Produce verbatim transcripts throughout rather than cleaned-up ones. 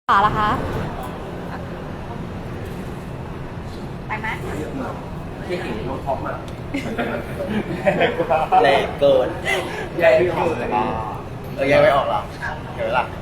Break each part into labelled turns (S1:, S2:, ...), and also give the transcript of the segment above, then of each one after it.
S1: ป่าล่ะคะ
S2: ไปไหม
S3: ที่เห็นน้องท็อปอ่ะ
S4: แรงเกิน
S3: แยกไม่ออกเลย
S4: เออแยกไม่ออกหรอเดี๋ยวล่ะ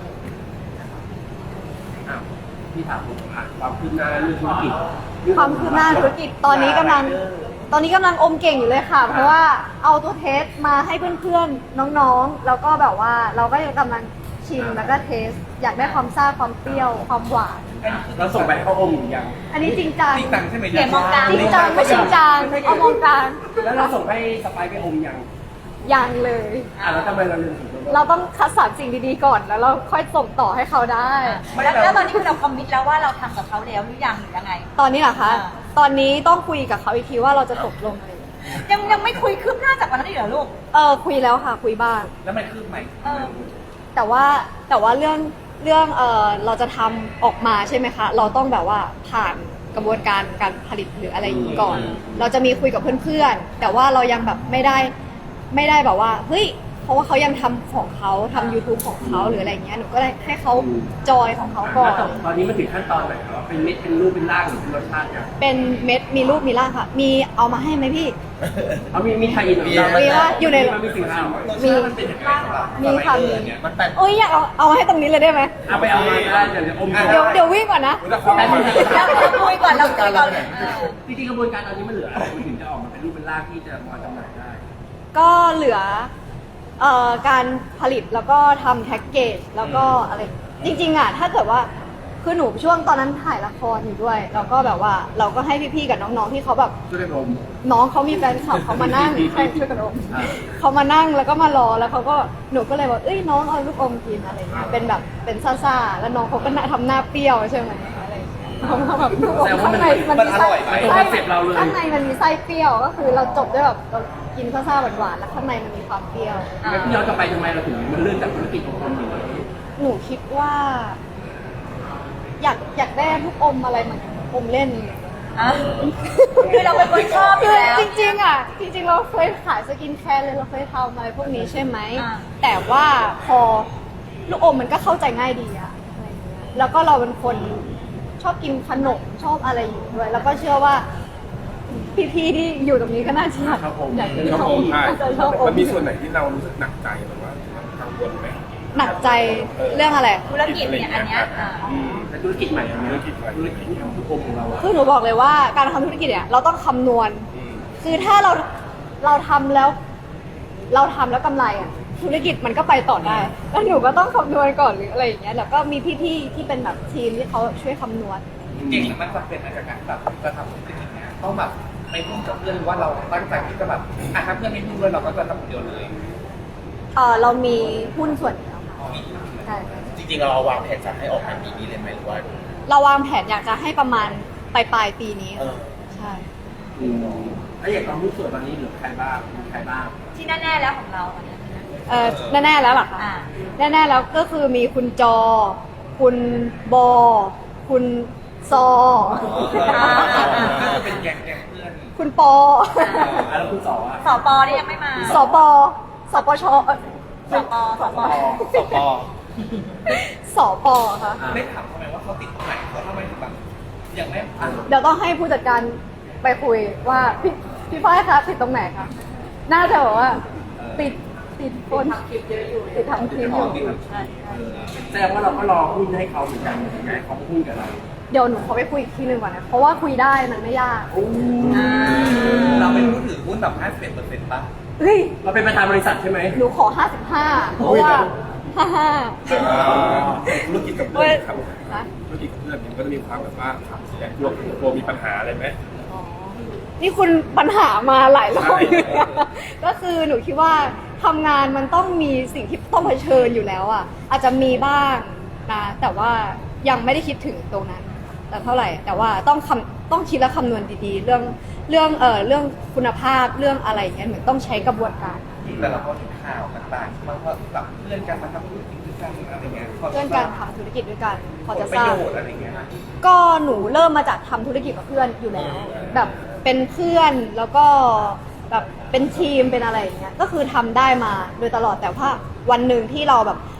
S3: พี่ถามผมอ่ะความคืบหน้าเรื่องธุรกิจ
S1: ความคืบหน้าธุรกิจตอนนี้กำลังตอนนี้กำลังอมเก่งอยู่เลยค่ะ เพราะว่าเอาตัวเทสมาให้เพื่อนๆน้องๆแล้วก็แบบว่าเราก็ยังกำลังชิมแล้วก็เทสอยากได้ความซ่าความเปรี้ยวความหวาน
S3: เราส่งไปให้เขาอมหรือยัง
S1: อันนี้จริงจัง
S3: จริงจังใช่ไหม
S2: เดี๋ยวมองกลาง
S1: จริงจังไม่จริงจังเอามองกลาง
S3: แล้วเราส่งให้สไปไปอมยัง
S1: ยังเลย
S3: อ่ะแล้วทำไมเราลืมถึง
S1: เราต้องคัดสรรสิ่งดีๆก่อนแล้วเราค่อยส่งต่อให้เขาได้
S2: แล้วแล้วตอนนี้คือเราคอมมิตแล้วว่าเราทำกับเขาแล้วหรือยังหรือยังไง
S1: ตอนนี้เหรอคะตอนนี้ต้องคุยกับเขาอีกทีว่าเราจะตกลงอะไร
S2: ยังยังไม่คุยคืบหน้าจากวันนั้นเหรอลูก
S1: เออคุยแล้วค่ะคุยบ้าง
S3: แล้วมันคืบไหม
S1: แต่ว่าแต่ว่าเรื่องเรื่องเออเราจะทำออกมาใช่ไหมคะเราต้องแบบว่าผ่านกระบวนการการผลิตหรืออะไรอย่างนี้ก่อน เราจะมีคุยกับเพื่อนๆแต่ว่าเรายังแบบไม่ได้ไม่ได้แบบว่าเฮ้ยเพราะว่าเขายังทำของเขาทำ YouTube ของเขาหรืออะไรเงี้ยหนูก็เลยให้เขาจอยของเขาก่อน
S3: ตอนนี้มันถึงขั้นตอนไหนแล้วเป็นเม็ดเป็นรูปเป็นร่างหรือเป็นรสชาติเนี่ย
S1: เป็นเม็ดมีรูปมีร่างค่ะมีเอามาให้ไหมพี่
S3: เอามีมีไทยอินมี
S1: ว่าอยู่ใน
S3: มีสิ่งที่
S1: มีมีค่ะมีโอ้ยอยากเอาเอามาให้ตรงนี้เลยได้ไหม
S3: เอาไปเอามาได้เดี๋ยวอม
S1: เดี๋ยวเดี๋ยววิ่งก่อนนะ
S2: เราคุยก่อนเราคุยก่อน
S3: จริงๆกระบวนการตอนนี้มันเหลืออะไรมันถึงจะออกมาเป็นรูปเป็นร่างที่จะมาจำหน่ายได้
S1: ก็เหลือเอ่อการผลิตแล้วก็ทำแพ็กเกจแล้วก็อะไรจริงๆอ่ะถ้าเกิดว่าคือหนูช่วงตอนนั้นถ่ายละครอยู่ด้วยแล้วก็แบบว่าเราก็ให้พี่ๆกับน้องๆที่เขาแบบ
S3: ช่วยกันอม
S1: น้องเขามีแฟนคลับเขามานั่งใช่ช่วยกันอมเขามานั่งแล้วก็มารอแล้วเขาก็หนูก็เลยบอกเอ้ยน้องเอาลูกอมกินอะไรเงี้ยเป็นแบบเป็นซ่าๆแล้วน้องเขาก็ทำหน้าเปรี้ยวใช่ไหมอะไรเขาแบบลูกอมข้างในมันมีไส้ข้างในมันมีไส้เปรี้ยวก็คือเราจบด้วยแบบกินซ่าๆหวานๆแล้วข้างในมันมีความเปรี้ยว
S3: แล้วพี่ย้อนกลับไปทำไมเราถึงมันเลื่อนจากธุรกิจของคนอยู่
S1: หนูคิดว่าอยากอยากได้ทุกอมอะไรเหมือนอมเล่น
S2: คือเราเป็นคนชอบอยู่แล้ว
S1: จริงๆอ่ะจริงๆเราเคยขายสกินแคร์เลยเราเคยทำอะไรพวกนี้ใช่ไหมแต่ว่าพอลูกอมมันก็เข้าใจง่ายดีอะอะไรเงี้ยแล้วก็เราเป็นคนชอบกินขนมชอบอะไรอยู่ด้วยแล้วก็เชื่อว่าพี่ๆที่อยู่ตรงนี้ก็น่าจะอยากอยากกินขนม
S5: มันมีส่วนไหนที่เรารู้สึกหนักใจหรือว่ากังวลไหม
S1: หนักใจเรื่องอะไร
S2: ธุรกิจเนี่ยอันเนี้ย
S3: ธุรกิจใหม่ธุรกิจใหม่ธุรกิจทุกอมของเรา
S1: คือหนูบอกเลยว่าการทำธุรกิจเนี่ยเราต้องคำนวณคือถ้าเราเราทำแล้วเราทำแล้วกำไรอ่ะธุรกิจมันก็ไปต่อได้แล้วหนูก็ต้องคำนวณก่อนหรืออะไรอย่างเงี้ยแล้วก็มีพี่ๆที่เป็นแบบทีมที่เขาช่วยคำนวณ
S4: จริงๆมันจำเป็นในการแบบจะทำธุรกิจอย่างเงี้ยต้องแบบไปพูดกับเพื่อนว่าเราตั้งใจที่จะแบบอ่ะถ้าเพื่อนไม่พูดด้วยเราก็จะทำคนเดียวเลย
S1: เออเรามีหุ้นส่วนแล้วค่ะ
S4: จริงๆเราวางแผนจะให้ออกมาปีนี้เลยไหมหรือว่า
S1: เราวางแผนอยากจะให้ประมาณปลายปลายปีนี้ใช่
S3: แล้วอย่างความรู้สึกตอนนี้เหลือใครบ้างใครบ้าง
S2: ที่แน่ๆแล้วของเราตอนนี้
S1: เออแน่ๆแล้วหรอคะแน่ๆแล้วก็คือมีคุณจอคุณบอคุณซอ
S4: เป็นแก๊งๆเพื่อน
S1: คุณปอ
S3: แล้วคุณสอ
S2: สอปอนี่ยังไม่มา
S1: สอปอสปช
S2: สอปอสอปอ
S4: สอปอ
S1: สอปอค่ะ
S4: ได้ถามเขาไหมว่าเขาติดตรงไหนเขาทำไมถึงแบบอย่างไม่
S1: เดี๋ยวต้องให้ผู้จัดการไปคุยว่าพี่พี่ฝ้ายคะติดตรงไหนคะน่าจะบอกว่าติดติดคนทำคลิปเยอะอยู่ติดทำคลิปอยู่ใช่
S3: แสดงว่าเราก็รอหุ้นให้เขาเหมือนกันไงเขาหุ้นกับเรา
S1: เดี๋ยวหนูขอไปคุยอีกทีหนึ่งก่อนนะเพราะว่าคุยได้มันไม่ยาก
S4: เราเป็นผู้ถือหุ้นแบบห้าสิบเอ็ดเปอร์เซ็นต์ป่ะ
S1: เฮ้ย
S3: เราเป็นประธานบริษัทใช่ไหม
S1: หนูขอห้าสิบห้าเพราะว่าห้าห้า
S5: ธุรกิจกับเพื่อนครับธุรกิจกับเพื่อนมันก็จะมีความแบบว่าโยกโยมีปัญหาอะไรไหม
S1: นี่คุณปัญหามาหลายรอบก็คือหนูคิดว่าทำงานมันต้องมีสิ่งที่ต้องเผชิญอยู่แล้วอ่ะอาจจะมีบ้างนะแต่ว่ายังไม่ได้คิดถึงตรงนั้นแต่เท่าไหร่แต่ว่าต้องคำต้องคิดและคำนวณดีๆเรื่องเรื่องเอ่อเรื่องคุณภาพเรื่องอะไรอย่างเงี้ยเหมือนต้องใช้กระบวนการ
S4: แต่เราก็เห็นข่าวต่างๆมันก็แบบเพื่อนกันมาทำธุรกิจด้วยกันอะไรเงี้ย
S1: เพื่อนกันทำธุรกิจด้วยกันพอจะ
S4: ทราบอะไรเงี้ย
S1: ก็หนูเริ่มมาจากทำธุรกิจกับเพื่อนอยู่แล้วแบบเป็นเพื่อนแล้วก็แบบเป็นทีมเป็นอะไรอย่างเงี้ยก็คือทำได้มาโดยตลอดแต่ว่าวันหนึ่งที่เราแบบ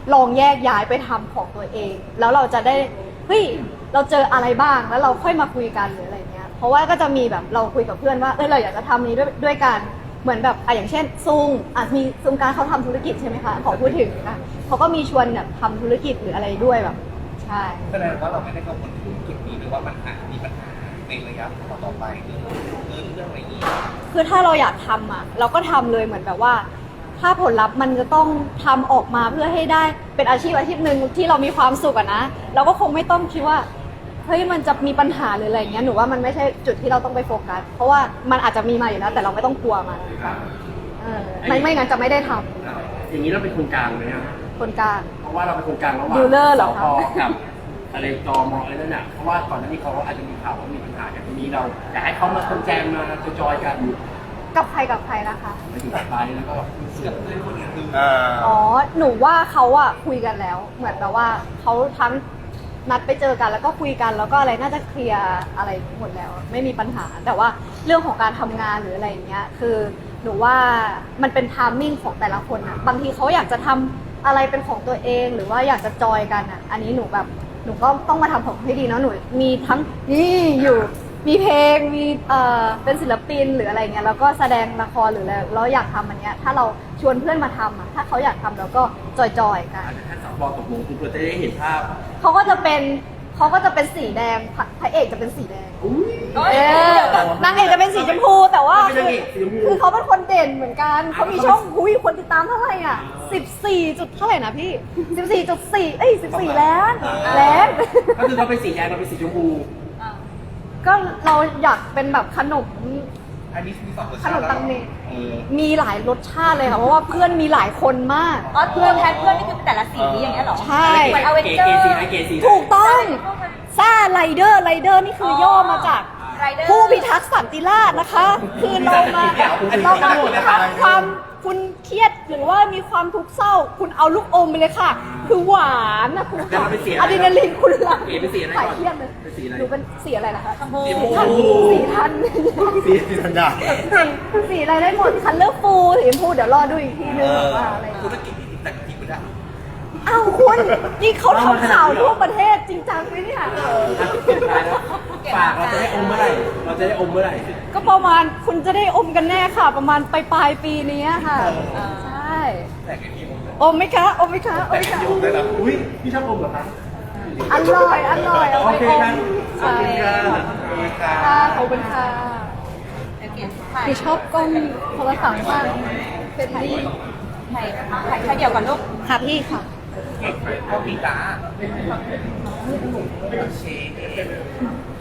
S1: ลองแยกย้ายไปทำของตัวเอง แล้วเราจะได้เฮ้ยเราเจออะไรบ้างแล้วเราค่อยมาคุยกันหรืออะไรเงี้ยเพราะว่าก็จะมีแบบเราคุยกับเพื่อนว่าเออเราอยากจะทำนี้ด้วยด้วยกันเหมือนแบบอ่ะอย่างเช่นซุงอ่ะมีซุงการเขาทำธุรกิจใช่ไหมคะขอพูดถึงนะเขาก็มีชวนแบบทำธุรกิจหรืออะไรด้วยแบบใช่
S4: แสดงว่าเราไม่ได้กังวลถึงจุดนี้หรือว่ามันอาจมีปัญหาในระยะต่อไปเรื่องเงินเรื่องอะไรอย่างนี้
S1: คือถ้าเราอยากทำอ่ะเราก็ทำเลยเหมือนแบบว่า ถ้าผลลัพธ์มันจะต้องทำออกมาเพื่อให้ได้เป็นอาชีพอาชีพหนึ่งที่เรามีความสุขอะนะเราก็คงไม่ต้องคิดว่าเฮ้ยมันจะมีปัญหาหรืออะไรเงี้ยหนูว่ามันไม่ใช่จุดที่เราต้องไปโฟกัสเพราะว่ามันอาจจะมีมาอยู่แล้วแต่เราไม่ต้องกลัวมันเออไม่ไม่งั้นจะไม่ได้ทำ
S3: อย่างนี้เราเป็นคนกลางไหมอะ
S1: คนกลาง
S3: เพราะว่าเราเป็นคนกลางระหว่าง
S1: ดีลเลอร์เหรอคะ
S3: สพกับอะไรตมอะไรนั่นน่ะเพราะว่าก่อนหน้านี้เขาอาจจะมีข่าวว่ามีปัญหากันทีนี้เราอยากให้เขามาคนแจมมาจอยๆกัน
S1: กับใครกับใครนะคะ
S3: ไปถึงสุดท้ายแล้วก็
S4: กับเพื่อนคนอื่น
S5: อ่า
S1: อ๋อหนูว่าเขาอะคุยกันแล้ว เหมือนแบบว่าเขาทั้งนัดไปเจอกันแล้วก็คุยกันแล้วก็อะไรน่าจะเคลียร์อะไรหมดแล้ว ไม่มีปัญหา แต่ว่าเรื่องของการทำงานหรืออะไรอย่างเงี้ยคือหนูว่ามันเป็นไทามมิ่งของแต่ละคนอะบางทีเขาอยากจะทำอะไรเป็นของตัวเอง หรือว่าอยากจะจอยกันอะอันนี้หนูแบบหนูก็ต้องมาทำของให้ดีเนาะหนูมีทั้งนี่อยู่มีเพลงมีเอ่อเป็นศิลปินหรืออะไรเงี้ยแล้วก็แสดงละครหรืออะไรแล้วอยากทำอันเนี้ยถ้าเราชวนเพื่อนมาทำอะถ้าเขาอยากทำเราก็จอยๆกัน
S3: อาจจะถ้าสปตกลงคุณจะได้เห็นภาพ
S1: เขาก็จะเป็นเขาก็จะเป็นสีแดงพระพระเอกจะเป็นสีแดง
S3: อุ้ย
S2: เอ้ย
S1: เออนางเอกจะเป็นสีชมพูแต่ว่า
S3: เป็น
S1: คื
S3: นาง
S1: อ
S3: เอกสีชมพู
S1: คือเขาเป็นคนเด่นเหมือนกันเขามีช่องหุยคนติดตามเท่าไหร่อ่ะสิบสี่จุดเท่าไหร่นะพี่สิบสี่จุดสี่เอ้ยสิบสี่ล้านล้าน
S3: ก็คือเขาเป็นสีแดงเราเป็นสีชมพู
S2: อ่า
S1: ก็เราอยากเป็นแบบขนม
S4: อันนี้มีสองรส
S1: ข
S4: ชาน ติ
S1: ม
S4: แล้ว
S1: ตังเม
S4: เออ
S1: มีหลายรสชาติเลยค่ะเพราะว่าเพื่อนมีหลายคนมาก
S2: อ๋อเพื่อนแทนเพื่อนนี่คือเป็นแต่ละสีอย่างเงี้ยเหรอ
S1: ใช่
S2: เหมือนอเวน
S3: เก๋
S2: เจอ
S3: เก๋
S2: ร์
S3: สีไหนเก๋สีไหน
S1: ถูกต้องซ่าไรเดอร์ไรเดอร์นี่คือย่อมาจาก
S2: ไรเดอร์
S1: ผู้พิทักษ์สันติราษฎร์นะคะ คือเรามาเรามาทำความคุณเครียดหรือว่ามีความทุกข์เศร้า คุณเอาลูกอมไปเลยค่ะ คือหวานนะคุณ
S3: แล้วเราเป็นสีอะไร
S1: อะดรีนาลีนคุณหลัง
S3: เก๋เป็นสีอะไร
S1: สาย
S3: ก่อน
S1: เครียดเลย
S3: เป็นสีอะไร
S1: หนูเป็นสีอะไรนะคะ
S2: ชมพู
S1: สีทันสีทัน
S5: สีสีธัญญา
S1: สีสีอะไรได้หมดคันเลอร์ฟูสีชมพูเดี๋ยวรอดูอีกทีนึงว่าอะไร
S4: ธุรกิจนี้แต่งทีไม่ได้
S1: อ้าวคุณนี่เขาทำข่าวทั่วประเทศจริงจังไหมเนี่ย
S3: ฝากเราจะได้อมเมื่อไหร่ เราจะได้อมเมื่อไหร่
S1: ก็ประมาณคุณจะได้อมกันแน่ค่ะ ประมาณปลายปลายๆปีนี้ค่ะใช่
S4: แต่งไอ้พี่ผม
S1: อมไหมคะอมไหมคะอมไหมคะ
S4: ได้แล้ว
S3: อุ้ยพี่ชอบอมเหรอคะ
S1: อร่อยอร่อยเอาไปอม
S3: โอเคครับ
S1: ใช่
S3: ขอบคุณครับ
S1: ค่ะขอบคุณค่ะ
S2: เดี๋ยวเขียนถ่าย
S1: คือชอบกล้องโทรศัพท์มากเป็นที่
S2: ถ่ายถ่ายแค่เดียวกันลูก
S1: ค่ะพี่ค่ะ
S4: พ่อพี่ตาโอเค